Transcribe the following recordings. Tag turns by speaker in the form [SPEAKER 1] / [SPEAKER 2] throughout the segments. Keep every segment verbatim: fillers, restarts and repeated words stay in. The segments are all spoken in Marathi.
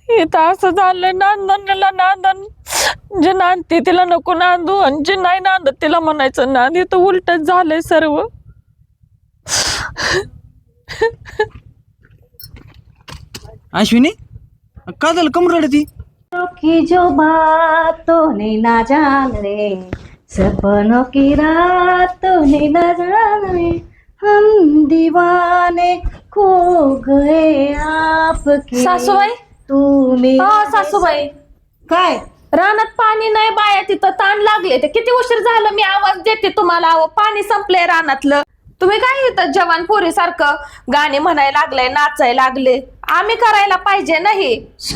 [SPEAKER 1] इथं असं झालंय, नांदणला नांदण, जे नांदते तिला नको नांदू आणि जे नाही नांदत तिला म्हणायचं नांद. इथं उलटच झालंय सर्व.
[SPEAKER 2] अश्विनी का झालं, कम रडती?
[SPEAKER 3] की जो बातों ने ना जाने, सपनों की रातों ने ना जाने, हम दीवाने खो गए आपके.
[SPEAKER 1] सासूबाई,
[SPEAKER 3] तू मेरी.
[SPEAKER 1] हा सासूबाई,
[SPEAKER 3] काय
[SPEAKER 1] रानात पाणी नाही बाया, तिथं ताण लागले. ते किती उशीर झालं मी आवाज देते तुम्हाला. अहो पाणी संपलंय रानातलं. तुम्ही काय येतं जवान पोरी सारखं गाणे म्हणायला लागले, नाचायला लागले. आम्ही करायला पाहिजे नाही.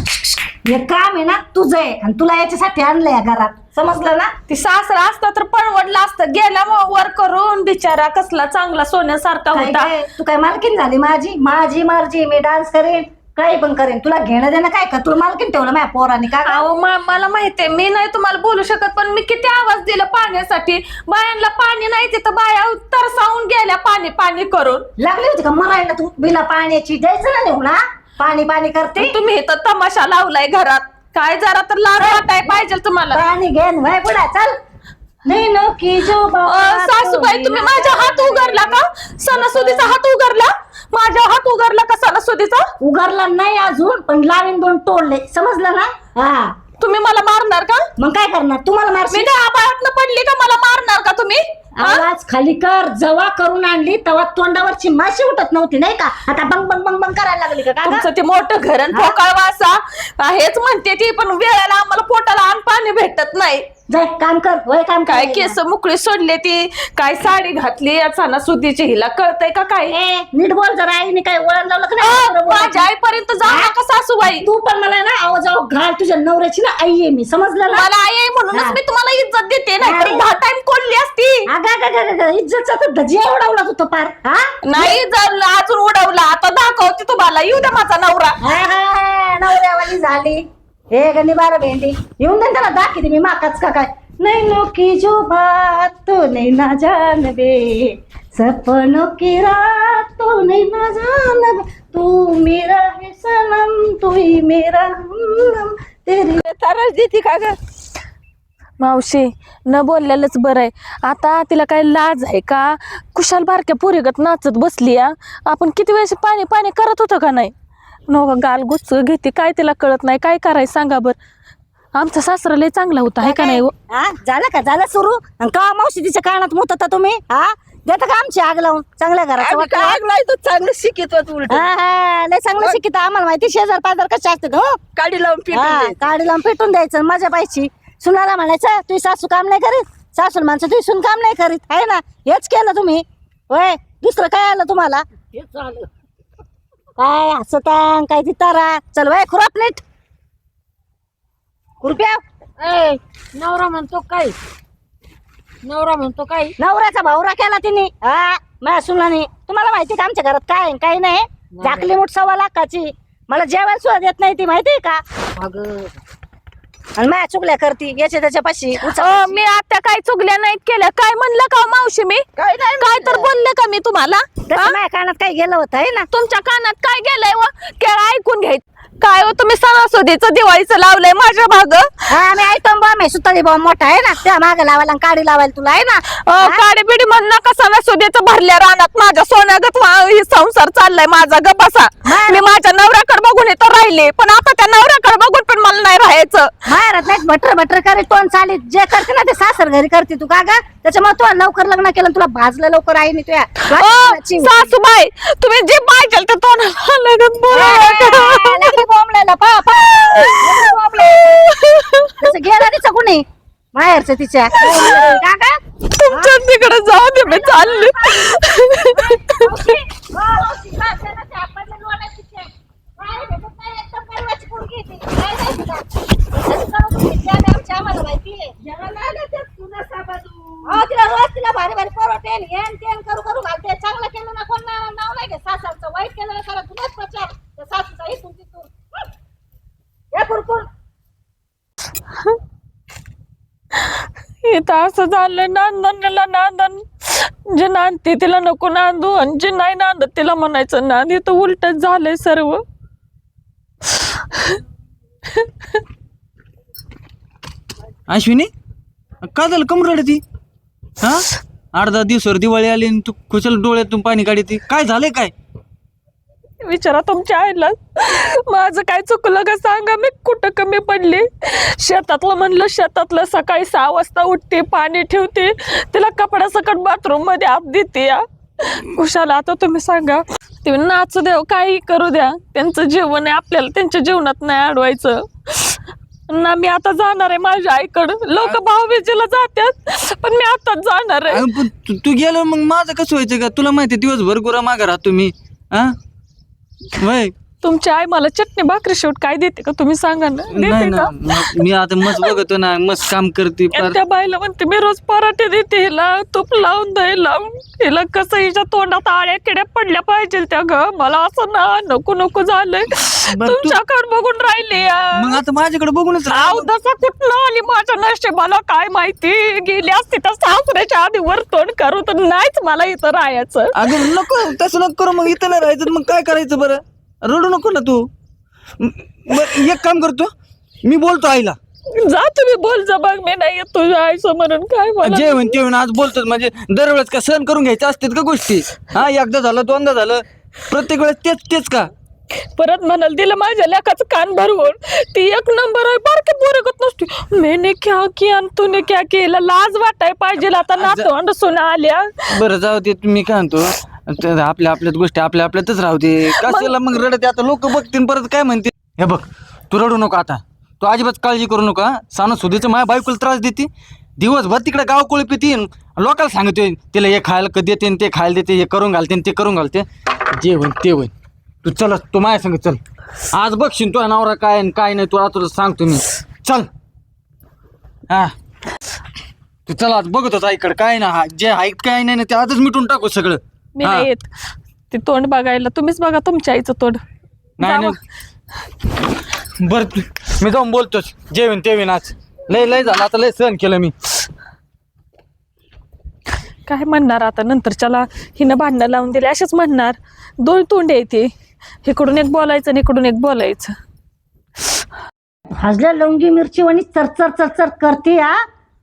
[SPEAKER 3] हे काम आहे ना तुझं आहे आणि तुला याच्यासाठी आणलंय घरात, समजलं ना.
[SPEAKER 1] ती सासरा असता तर परवडलं असतं. गेला मग वर करून बिचारा, कसला चांगला सोन्यासारखा
[SPEAKER 3] काय
[SPEAKER 1] होता.
[SPEAKER 3] काय तू काय मालकीन झाली माझी? माझी मर्जी, मी डान्स करेन, काही पण करेन. तुला घेणं देणं काय का? तुला मालकीन ठेवलं माझ्या पोराने का?
[SPEAKER 1] अहो मला माहितीये, मी नाही तुम्हाला बोलू शकत, पण मी किती आवाज दिला पाण्यासाठी. बायांना पाणी नाही तिथं बाया तरसावून गेल्या पाणी पाणी करून.
[SPEAKER 3] लागली होती का मरायला तू? बिना पाण्याची द्यायचं ना नेऊ ना, पाणी पाणी करते.
[SPEAKER 1] तुम्ही इथं तमाशा लावलाय घरात. काय जरा तर लाज वाटाय पाहिजे तुम्हाला.
[SPEAKER 3] पाणी घेन वय पुढे चल. नाही नो की जो
[SPEAKER 1] अं, सासूबाई तुम्ही माझ्या हात उगारला का? सणासुदीचा हात उगारला? माझ्या हात उगारला का सणासुदीचा?
[SPEAKER 3] उगारला नाही अजून, पण लावीन दोन तोडले, समजलं ना. हा
[SPEAKER 1] तुम्ही मला मारणार का?
[SPEAKER 3] मग काय करणार? तुम्हाला
[SPEAKER 1] मी
[SPEAKER 3] मारशील?
[SPEAKER 1] काय आबाळातनं पडली का मला मारणार का तुम्ही?
[SPEAKER 3] आवाज खाली कर. जवा करून आणली तेव्हा तोंडावरची माशी उठत नव्हती नाही का? आता बंग बंग बंग बंग करायला लागली का?
[SPEAKER 1] तुमचं ते मोठं घर आणि पोकळ वासा हेच म्हणते ती, पण वेळेला आम्हाला पोटाला अन्न पाणी भेटत नाही.
[SPEAKER 3] जाय काम कर, वय काम
[SPEAKER 1] काय
[SPEAKER 3] कर.
[SPEAKER 1] केस मोकळी सोडले ती, काय साडी घातली सणासुदीची, हिला कळतंय का काय?
[SPEAKER 3] ए, नीट बोल जरा. आईने काय वळण लावलं का
[SPEAKER 1] अं,
[SPEAKER 3] नाही?
[SPEAKER 1] माझ्या आईपर्यंत जाऊ नका सासूबाई.
[SPEAKER 3] तू पण मला ना आवाज आव घाल. तुझ्या नवऱ्याची ना आई आहे मी, समजलं ना.
[SPEAKER 1] मला आई आहे म्हणूनच
[SPEAKER 3] हा.
[SPEAKER 1] मी तुम्हाला इज्जत देते, नाही तर
[SPEAKER 3] अरे.
[SPEAKER 1] दहा टाइम कोणली असती.
[SPEAKER 3] अगं, अगं, अगं, अगं, इज्जतचा तर धजिया उडवला तू तो पार. हा
[SPEAKER 1] नाही जर अजून उडवला, आता दाखवते तुम्हाला. येऊ द्या माझा नवरा.
[SPEAKER 3] हा, हा, नवऱ्यावाली झाली. हे गणी बारा भेंडी येऊन दे त्याला, दाखवते मी माकाच का काय. नहीं नो की जो बात तो नहीं ना जान दे, सपनों की रात तो नहीं ना जान दे, तू मेरा है सनम, तू ही मेरा हमनम, तेरी
[SPEAKER 1] तरच देते का ग मावशी? न बोललेलंच बरं आहे. आता तिला काय लाज आहे का? कुशाल बारक्या पोरीगत नाचत बसली. या आपण किती वेळेस पाणी पाणी करत होतो का नाही? नो गाल गुच्च घेते, काय तिला कळत नाही. काय करायचं सांगा बर. आमचा सासरा लय चांगला होता, आहे का नाही?
[SPEAKER 3] हा झालं का? झालं सुरू? का मावशी तिच्या कानात मुतता तुम्ही? हा देता का आमची आग लावून? चांगल्या घराचं वाटलं.
[SPEAKER 1] आग लावतो, चांगलं शिकित उलट.
[SPEAKER 3] हा हा लय चांगलं शिकित. आम्हाला माहिती शेजार पाजार कसे असतात. हो
[SPEAKER 1] काडी लावून
[SPEAKER 3] हा, काडी लावून पेटून द्यायचं, मजा पाहिजे. सुनाला म्हणायचं तुझी सासू काम नाही करीत, सासून माणसं तुझी सून काम नाही करीत, आहे ना. हेच केलं तुम्ही होय. दुसरं काय आलं तुम्हाला? काय हसता काय ती तारा. चल वय खुराप नीट कृपया.
[SPEAKER 4] ए नवरा म्हणतो काय? नवरा म्हणतो काय?
[SPEAKER 3] नवऱ्याचा भावरा केला तिने. हा माझ्या सुनाने. तुम्हाला माहिती का आमच्या घरात काय आहे, काही नाही. झाकली मूठ सव्वा लाखाची. मला जेवायला सुद्धा देत नाही ती, माहितीये का?
[SPEAKER 4] अगं
[SPEAKER 3] आणि माझ्या चुकल्या करती याच्या त्याच्यापाशी.
[SPEAKER 1] मी आता काय चुकल्या नाहीत केल्या. काय म्हणलं का मावशी मी? काय तर बोलले का मी तुम्हाला?
[SPEAKER 3] माझ्या कानात काय गेलं होतं आहे ना.
[SPEAKER 1] तुमच्या कानात काय गेलंय व? केळं ऐकून घ्यायचं. काय हो तुम्ही सणासुदीचं दिवाळीचं लावलंय माझ्या भाग?
[SPEAKER 3] हा मी ऐकतो बॉम्ब आहे, सुतारी बॉम्ब मोठा आहे ना, त्या मागे लावायला आणि काडी लावायला तुला आहे ना.
[SPEAKER 1] काडी बिडी म्हण नका. सणासुदीचं भरल्या रानात माझ्या सोन्यागत वा- संसार चाललाय माझा. गपासा. मी माझ्या नवऱ्याकडे बघून इथं राहिले, पण आता त्या नवऱ्याकडे बघून पण मला नाही राहायचं.
[SPEAKER 3] मारत नाही बटर बटर करे तोंड चालीत. जे करते ना ते सासर घरी करते तू का ग? त्याच्यामुळे तू लवकर लग्न केलं, तुला भाजलं लवकर आहे मी तुया.
[SPEAKER 1] सासूबाई तुम्ही जे पाहिजे ते तोंडाला लगत बोला.
[SPEAKER 3] बॉम्बला पा पा गेला तिचं कुणी माहेरचं तिच्या काका.
[SPEAKER 1] तुमच्या तिकडे जाऊ दे, मी चालले.
[SPEAKER 3] तिला रोज तिला भारी भारी परोठे हेन तेन करू करू घालते. चांगलं केलं ना कोण नाव नाही घे सासरचं, वाईट केलं ना खरं तुलाच प्रचार त्या सासूचा इथून तिथून. हे कुरकुर
[SPEAKER 1] इथं असं झालंय, नांदणला नांदण, जे नांदते तिला नको नांदू आणि जे नाही नांदत तिला म्हणायचं नांद. इथं उलटच झालंय सर्व.
[SPEAKER 2] अश्विनी का झालं कम रडती हा आठ दहा दिवसावर दिवाळी आली आणि तू खुशाल डोळ्यातून पाणी काढती काय झालंय काय
[SPEAKER 1] विचारा तुमच्या आईला माझं काय चुकलं का सांगा मी कुठं कमी पडली शेतातलं म्हणलं शेतातलं सकाळी सहा वाजता उठते पाणी ठेवते तिला कपडा सकट बाथरूम मध्ये आप देते या कुशाला आता तुम्ही सांगा ते नाचू द्या काही करू द्या त्यांचं जीवन आहे आपल्याला त्यांच्या जीवनात नाही अडवायचं ना मी आता जाणार आहे माझ्या आईकडं लोक भाऊबीजेला जातात पण मी आताच जाणार आहे
[SPEAKER 2] अगं, पण तू तू गेलो मग माझं कसं व्हायचं का तुला माहिती दिवसभर गुरा मागा राहतो मी हा वय
[SPEAKER 1] तुमची आई मला चटणी भाकरी शेवट काय देते का तुम्ही सांगा ना
[SPEAKER 2] नाही
[SPEAKER 1] देते
[SPEAKER 2] ना
[SPEAKER 1] का
[SPEAKER 2] म- मी आता मस्त बघतो ना मस्त काम करते
[SPEAKER 1] आणि
[SPEAKER 2] फार.
[SPEAKER 1] त्या बाईला म्हणते मी रोज पराठे देते हिला तूप लावून दही लावून हिला कसं हिच्या तोंडात आळ्या किड्या पडल्या पाहिजे त्या ग मला असं ना नको नको झालंय
[SPEAKER 2] बरं, तू-
[SPEAKER 1] तुमच्याकडे बघून राहिले
[SPEAKER 2] मग आता माझ्याकडे बघूनच राह.
[SPEAKER 1] आव दसा कुठनं आली माझ्या नशिबाला काय माहिती गेली असती तर सासऱ्याच्या आधी वर तोंड करू तर नाहीच मला इथं राहायचं
[SPEAKER 2] अगं नको तसं नको करू मग इथं नाही राहायचं मग काय करायचं बरं रडू नको ना तू म- बरं एक काम करतो मी बोलतो आईला
[SPEAKER 1] जा तुम्ही बोल जा बघ मी नाही येत तुझ्या आईचं म्हणून काय मला
[SPEAKER 2] जे होईन ते होईन आज बोलतोच म्हणजे दरवेळेस का सहन करून घ्यायचे असतात का गोष्टी हा एकदा झालं दोनदा झालं प्रत्येक वेळेस तेच तेच का
[SPEAKER 1] परत म्हणाल दिलं माझ्या लेकाचं कान भरवून ती एक नंबर आहे बारकी पोरगत नसते मैंने क्या किया आणि तूने क्या केलं लाज वाटाय पाहिजे आता नातवंड सुना आल्या
[SPEAKER 2] बरं जाऊ दे मी काय म्हणतो ते आपल्या आपल्याच गोष्टी आपल्या आपल्यातच राहू दे कशाला मग रडते आता लोक बघतील परत काय म्हणतील हे बघ तू रडू नको आता तू अजिबात काळजी करू नका सानं सुधीचं माझ्या बायकोला त्रास देते दिवसभर तिकडे गाव कोळी पिते लोकांना सांगतोय तिला हे खायला कधी देते आणि ते खायला देते हे करून घालते आणि ते करून घालते जे होईन ते होईन तू चल तू माझ्या सांग चल आज बघशील तुझा नवरा काय आणि काय नाही तुला तुला सांगतो मी चल हा तू चल आज बघत होता इकडं काय ना हा जे आहे काय नाही ना ते आजच मिटून टाकू सगळं
[SPEAKER 1] मी
[SPEAKER 2] हा.
[SPEAKER 1] नाही येत ते तोंड बघायला तुम्हीच बघा तुमच्या आईचं तोंड
[SPEAKER 2] नाही
[SPEAKER 1] जावा.
[SPEAKER 2] नाही बर मी जाऊन बोलतोच जेवण तेवीन आज लय लय झालं आता लय सहन केलं मी
[SPEAKER 1] काय म्हणणार आता नंतरच्याला हिनं भांडणं लावून दिले असेच म्हणणार दोन तोंडे येते इकडून एक बोलायचं आणि इकडून एक बोलायचं
[SPEAKER 3] भाजल्या लवंगी मिरची वणी चरचर चरचर करते हा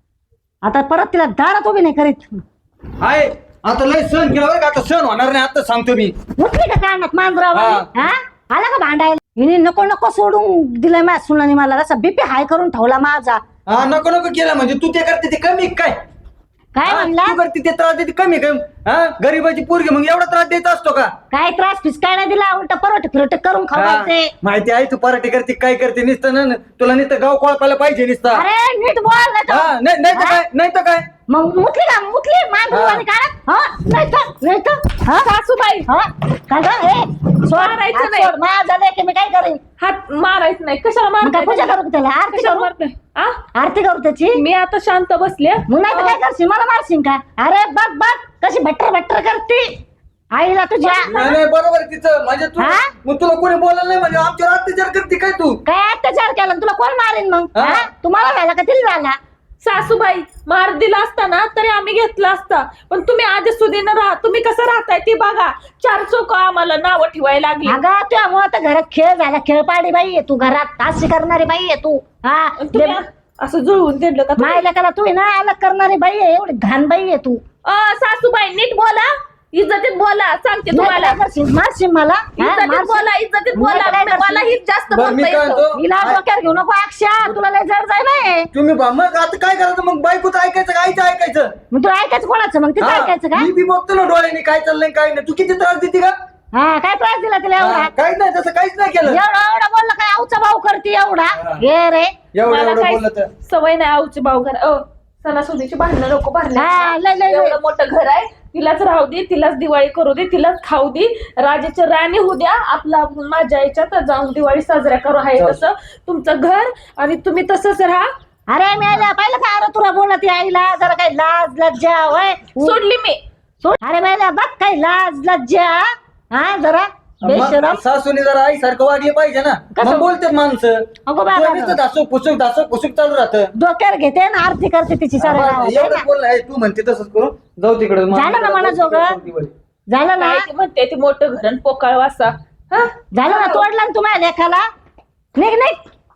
[SPEAKER 3] आता परत तिला दारात उभी नाही करीत
[SPEAKER 2] आहे आता लय सहन केलं बरं का आता सहन होणार नाही आता सांगतो मी
[SPEAKER 3] उठली का कानात मांजरावर
[SPEAKER 2] हा.
[SPEAKER 3] हा आला का भांडायला हिने नको नको सोडून दिलंय माझ्या सुनाने मला असा बीपी हाय करून ठेवला माझा
[SPEAKER 2] हा नको नको केलं म्हणजे तू ते करते ते कमी काय
[SPEAKER 3] काय
[SPEAKER 2] हा,
[SPEAKER 3] म्हणला
[SPEAKER 2] तू करते ते त्रास देते कमी काय हा गरीबाची पोरगी मग एवढा त्रास द्यायचा असतो का
[SPEAKER 3] काय त्रास फिसकाय नाही दिला उलट परोटे फिरोटे करून
[SPEAKER 2] हा,
[SPEAKER 3] खावायचे
[SPEAKER 2] माहिती आहे तू पराठे करते काय करते नुसतं ना तुला नुसतं गाव कोळपायला पाहिजे नुसतं
[SPEAKER 3] अरे नीट बोल नाही तर-
[SPEAKER 2] हा नाही नाही तर
[SPEAKER 3] हा?
[SPEAKER 2] काय नाही तर काय
[SPEAKER 3] मग मुतली का मुतली मांजरावानी काढत हा नाही तर नाही तर हा
[SPEAKER 1] सासूबाई
[SPEAKER 3] हा काय गं? ए सोड
[SPEAKER 1] मारायचं
[SPEAKER 3] हात
[SPEAKER 1] नाही.
[SPEAKER 3] सोड. माझं झालंय की मी काय करेन
[SPEAKER 1] हात मारायचं नाही कशाला
[SPEAKER 3] मग काय पूजा
[SPEAKER 1] मारताय
[SPEAKER 3] करू का त्याला आरती
[SPEAKER 1] कशाला
[SPEAKER 3] करू
[SPEAKER 1] मारताय आ?
[SPEAKER 3] आरती करू त्याची
[SPEAKER 1] मी आता शांत बसले
[SPEAKER 3] मग नाही तर काय करशील मला मारशील का अरे बघ बघ कशी भट्टर भट्टर करते आईला तुझ्या
[SPEAKER 2] नाही नाही, बरोबर आहे तिचं म्हणजे तू
[SPEAKER 3] हा?
[SPEAKER 2] मग तुला कोणी बोलायला नाही म्हणजे आमच्यावर अत्याचार करते काय तू
[SPEAKER 3] काय अत्याचार केला तुला कोण मारेन मग
[SPEAKER 2] हा?
[SPEAKER 3] हा? तुम्हाला झाला का तिला झाला
[SPEAKER 1] सासूबाई मार दिला असता ना तरी आम्ही घेतला असता पण तुम्ही आधी सुधीनं राहा तुम्ही कसं राहताय ती बघा चार चौक आम्हाला नावं ठेवायला लागली
[SPEAKER 3] अगं तुझ्यामुळे तर घरात खेळ झाला खेळपाडी बाई आहे तू घरात अशी करणारी बाई आहे तू हा
[SPEAKER 1] आणि तुम्ही असं जुळवून दिलं का तुम्ही?
[SPEAKER 3] मायला करा तू आहे ना अलग करणारी बाई आहे एवढी घाण बाई आहे तू
[SPEAKER 1] अ, सासूबाई नीट बोला इज्जतीत बोला सांगते तुम्हाला
[SPEAKER 3] नाही तर काय करशील? मारशील मला हा?
[SPEAKER 1] इज्जतीत
[SPEAKER 3] मारशील?
[SPEAKER 1] बोला इज्जतीत
[SPEAKER 3] मग
[SPEAKER 1] बोला
[SPEAKER 3] काय करशील?
[SPEAKER 1] मला ही जास्त
[SPEAKER 2] बरं, मी
[SPEAKER 1] बोलता
[SPEAKER 2] काय
[SPEAKER 1] येतं
[SPEAKER 2] म्हणतो?
[SPEAKER 3] हिला डोक्यावर घेऊ नको अक्षा तुला लय जड जाय नाही
[SPEAKER 2] तुम्ही बा- मग आता काय करायचं मग बायकोचं ऐकायचं का आईचं ऐकायचं
[SPEAKER 3] मग तू ऐकायचं कोणाचं मग तिथं
[SPEAKER 2] हा,
[SPEAKER 3] ऐकायचं का
[SPEAKER 2] मी बी बघतो ना डोळ्याने काय चाललंय काय नाही तू किती त्रास देते का
[SPEAKER 3] हा काय त्रास दिला तिला एवढा
[SPEAKER 2] हा, काहीच नाही तसं काहीच नाही केलं
[SPEAKER 3] एवढा एवढा बोलला काय आऊचा भाऊ करते एवढा
[SPEAKER 2] हा.
[SPEAKER 3] हे रे
[SPEAKER 2] एवढं
[SPEAKER 1] मला
[SPEAKER 2] एवढं
[SPEAKER 1] काही
[SPEAKER 2] बोललं तर
[SPEAKER 1] सवय नाही आऊची भाऊ घर अ सणासुदीची भांडणं नको
[SPEAKER 3] हा, लय, लय,
[SPEAKER 1] भरले
[SPEAKER 3] लय.
[SPEAKER 1] एवढं मोठं घर आहे तिलाच राहू दे तिलाच दिवाळी करू दे तिलाच खाऊ दे राजाची राणी होऊ द्या आपला माझ्या याच्यात जाऊन दिवाळी साजऱ्या करू आहे
[SPEAKER 2] चालेल.
[SPEAKER 1] तसं तुमचं घर आणि तुम्ही तसंच राहा
[SPEAKER 3] अरे मेल्या पाहिलं का अरे तुला बोलत आहे आईला जरा काही लाज लज्जा होय
[SPEAKER 1] सोडली मी
[SPEAKER 3] सोड. अरे मेल्या बघ काही लाज लज्जा हा जरा बेशरम
[SPEAKER 2] मग सासूने जरा आई सारखं वागले पाहिजे ना
[SPEAKER 3] कसं?
[SPEAKER 2] मग बोलतात माणसं
[SPEAKER 3] अगो बाबा.
[SPEAKER 2] तुला नुसतं धासू पुसूक धासू पुसूक चालू राहतं
[SPEAKER 3] डोक्यावर घेते ना आरती करते तिची सारे
[SPEAKER 2] एवढंच बोललं आहे तू म्हणते तसंच करू जाऊ तिकडे
[SPEAKER 3] झालं ना मला जोगं? झालं ना
[SPEAKER 1] काय ती म्हणते ती मोठं घर आणि पोकळ वासा हा
[SPEAKER 3] झालं ना तोडला ना तुम्हाला लेखाला निघ निघ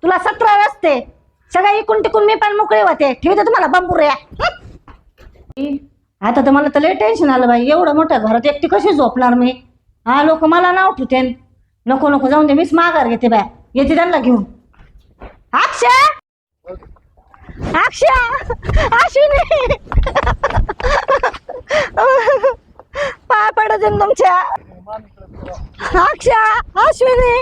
[SPEAKER 3] तुला सतरा रस्ते सगळं इकून टिकून मी पण मोकळे होते ठेवते तुम्हाला बंबुऱ्या. आता तर मला तर लय टेन्शन आलं बाई, एवढं मोठ्या घरात एकटी कशी झोपणार मी. हा लोक मला नाव ठेवते. नको नको जाऊन दे, मीच माघार घेते बाय, येते त्यांना घेऊन. अक्षा अक्षा अश्विनी पाय पडत तुमच्या. अक्षा अश्विनी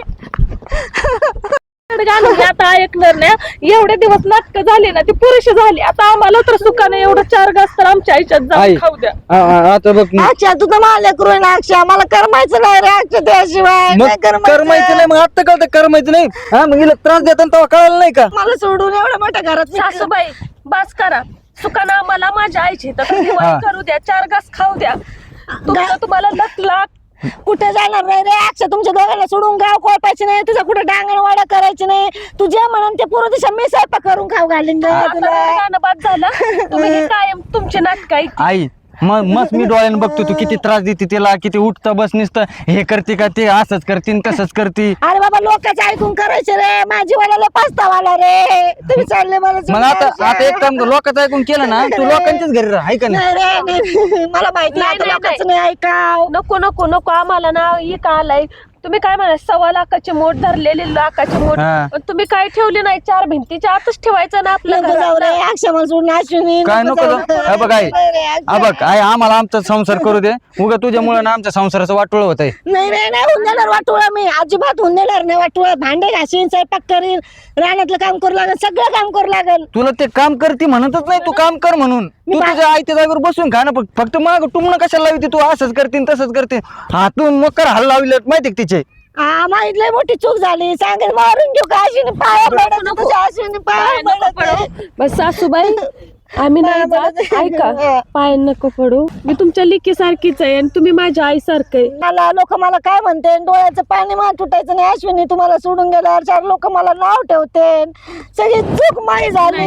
[SPEAKER 1] गाणं मी आता ऐकणार नाही. एवढे दिवस नाटक झाले ना, ती पुरुष झाली. आता आम्हाला तर सुखाने एवढं चार घास तर आमच्या आईच्यात जाऊन
[SPEAKER 2] आई.
[SPEAKER 1] खाऊ द्या.
[SPEAKER 2] आ- आ- आता बघ ना.
[SPEAKER 3] अक्षा तू तर मला करू ना. अक्षा मला करमायचं नाही रे अक्षा त्याशिवाय
[SPEAKER 2] मग
[SPEAKER 3] नाही
[SPEAKER 2] करमायचं नाही, मग आता कळतं करमायचं नाही. हा मग हिला त्रास देताना तेव्हा कळालं नाही का?
[SPEAKER 3] मला सोडून एवढ्या मोठ्या घरात मी-
[SPEAKER 1] सासूबाई बास करा. सुखानं आम्हाला माझ्या आईची तर दिवाळी
[SPEAKER 2] हा.
[SPEAKER 1] करू द्या, चार घास खाऊ द्या. तुमचं तुम्हाला लक लाख.
[SPEAKER 3] कुठे जाणार नाही रे अक्षा. तुमच्या दोघांना सोडून गाव कोळपायचे नाही, तुझा कुठे डांगणवाडा करायची नाही. तू जे म्हणून ते पूर्व दिशा मी स्वयंपाक करून खाऊ घालीन ग
[SPEAKER 1] आता
[SPEAKER 3] तुला.
[SPEAKER 1] हे गाणं बाद झालं. तुम्ही हे कायम तुमचे नाटक ऐकते.
[SPEAKER 2] आई मग मस्त मी डोळ्यानं बघतो तू किती त्रास देते तिला, किती उठता बस निसतं हे करते का, ते असंच करते तसंच करते.
[SPEAKER 3] अरे बाबा लोकांचं ऐकून करायचे रे. माझी वाला पस्तावाला रे. तुम्ही चालले मला
[SPEAKER 2] मग
[SPEAKER 3] सोडून
[SPEAKER 2] आता
[SPEAKER 3] अक्षा.
[SPEAKER 2] आता एक काम कर, लोकांचं ऐकून केलं ना तू लोकांच्याच घरी राह, हाय का नाही?
[SPEAKER 3] नाही रे नाही. मला माहिती
[SPEAKER 1] नाही,
[SPEAKER 3] आता
[SPEAKER 1] नाही,
[SPEAKER 3] लोकांचं नाही ऐकाव.
[SPEAKER 1] नको नको नको आम्हाला ना ही का आलाय. तुम्ही काय म्हणा सव्वा लाखाची मोठ धरलेली लाखाची मोठ,
[SPEAKER 2] हा.
[SPEAKER 1] पण तुम्ही काय ठेवली नाही. चार भिंतीच्या आतच ठेवायचं ना आपलं
[SPEAKER 3] नको जाऊ रे
[SPEAKER 1] घरात.
[SPEAKER 3] अक्षा मला सोडून अश्विनी
[SPEAKER 2] काय नको
[SPEAKER 3] जाऊ.
[SPEAKER 2] जाऊ. हा बघ आई,
[SPEAKER 3] नाही रे, अक्षा.
[SPEAKER 2] हा बघ आई आम्हाला आमचा संसार करू दे. उगा तुझ्यामुळे ना आमच्या संसाराचं वाटोळ होत आहे.
[SPEAKER 3] नाही नाही नाही होऊन देणार वाटोळा. मी अजिबात होऊन देणार नाही वाटोळा. भांडे घासीन, स्वयंपाक करीन, रानातलं काम करू लागेल, सगळं काम करू लागेल.
[SPEAKER 2] तुला ते काम करते म्हणतच नाही, तू काम कर म्हणून. तू तुझ्या आईच्या जागेवर बसून खा ना. फक्त- फक्त मग टुमणं कशाला लावते तू, असंच करते तसंच करते. हातून मग कर हल्ला लावले माहिती का तिचे.
[SPEAKER 3] हा माहित लय मोठी चूक झाली. सांगेल मारून घेऊ का अश्विनी. पाया पडत तुझ्या अश्विनी पाया पडत आहे.
[SPEAKER 1] बस सासूबाई आम्ही नाही जात. ऐका पाय नको पडू. मी तुमच्या लिकी सारखीच आहे आणि तुम्ही माझ्या आई सारखं आहे.
[SPEAKER 3] मला लोक मला काय म्हणते, डोळ्याचं पाणी मान तुटायचं नाही अश्विनी. तुम्हाला सोडून गेल्यावर चार लोक मला नाव ठेवते. सगळी चूक माही झाली.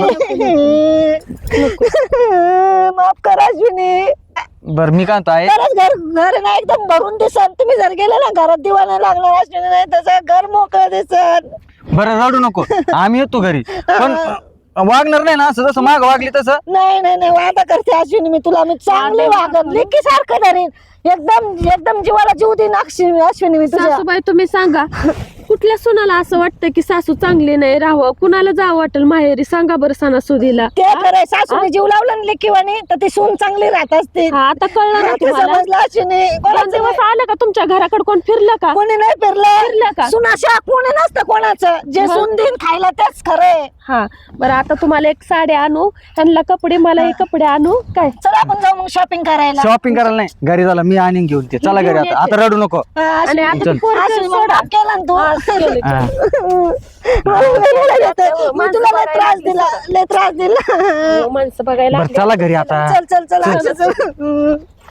[SPEAKER 3] माफ कर अश्विनी.
[SPEAKER 2] बर मी काय म्हणतो आहे,
[SPEAKER 3] खरंच घर घर ना एकदम भरून दिसन. तुम्ही जर गेले ना घरात दिवा नाही लागणार अश्विनी. नाही तसं घर मोकळं दिसन.
[SPEAKER 2] बरं रडू नको, आम्ही येतो घरी. पण वागणार नाही ना असं जसं माग वागली तसं.
[SPEAKER 3] नाही नाही नाही वादा करते अश्विनी मी तुला. मी चांगली वागत लेकी सारखं धरीन. एकदम एकदम जीवाला जीव देईन अश्विनी अश्विनी मी तुझ्या.
[SPEAKER 1] सासूबाई तुम्ही सांगा कुठल्या सुनाला असं वाटतं की सासू चांगली नाही राहावं. कुणाला जावं वाटेल माहेरी सांगा बरं सणासुदीला.
[SPEAKER 3] ते खरंय. सासूने जीव लावला ना लेकीवानी तर ती सून चांगली राहत असते.
[SPEAKER 1] हा आता कळलं ना
[SPEAKER 3] आता
[SPEAKER 1] तुम्हाला.
[SPEAKER 3] समजलं अश्विनी.
[SPEAKER 1] दोन
[SPEAKER 3] कोणाचं
[SPEAKER 1] दिवस आलं का तुमच्या घराकडे कोण फिरलं का?
[SPEAKER 3] कोणी नाही
[SPEAKER 1] फिरलं
[SPEAKER 3] फिरलं
[SPEAKER 1] का?
[SPEAKER 3] सुनाशा कोणी नसतं कोणाचं. जे
[SPEAKER 1] मग?
[SPEAKER 3] सून देईन खायला तेच खरंय.
[SPEAKER 1] हा बरं आता तुम्हाला एक साडी आणू, त्यांना कपडे मला हे कपडे आणू काय.
[SPEAKER 3] चला आपण जाऊ मग शॉपिंग करायला.
[SPEAKER 2] शॉपिंग करायला नाही, घरी झाला मी आणून घेऊन ते. चला घरी आता, आता रडू नको.
[SPEAKER 3] हा,
[SPEAKER 1] आणि
[SPEAKER 3] अश्विनी.
[SPEAKER 1] आता
[SPEAKER 2] चल.
[SPEAKER 1] ते पोरगं
[SPEAKER 3] अश्विनी मग
[SPEAKER 1] सोडा.
[SPEAKER 3] माफ केलं ना तू.
[SPEAKER 1] हा, केलं.
[SPEAKER 2] हा.
[SPEAKER 3] मला लय रडायला येतं. मी तुला लय त्रास दिला लय त्रास दिला.
[SPEAKER 1] हो, माणसं बघायला
[SPEAKER 2] बरं चला घरी आता.
[SPEAKER 3] चल चल चल अक्षा, चल.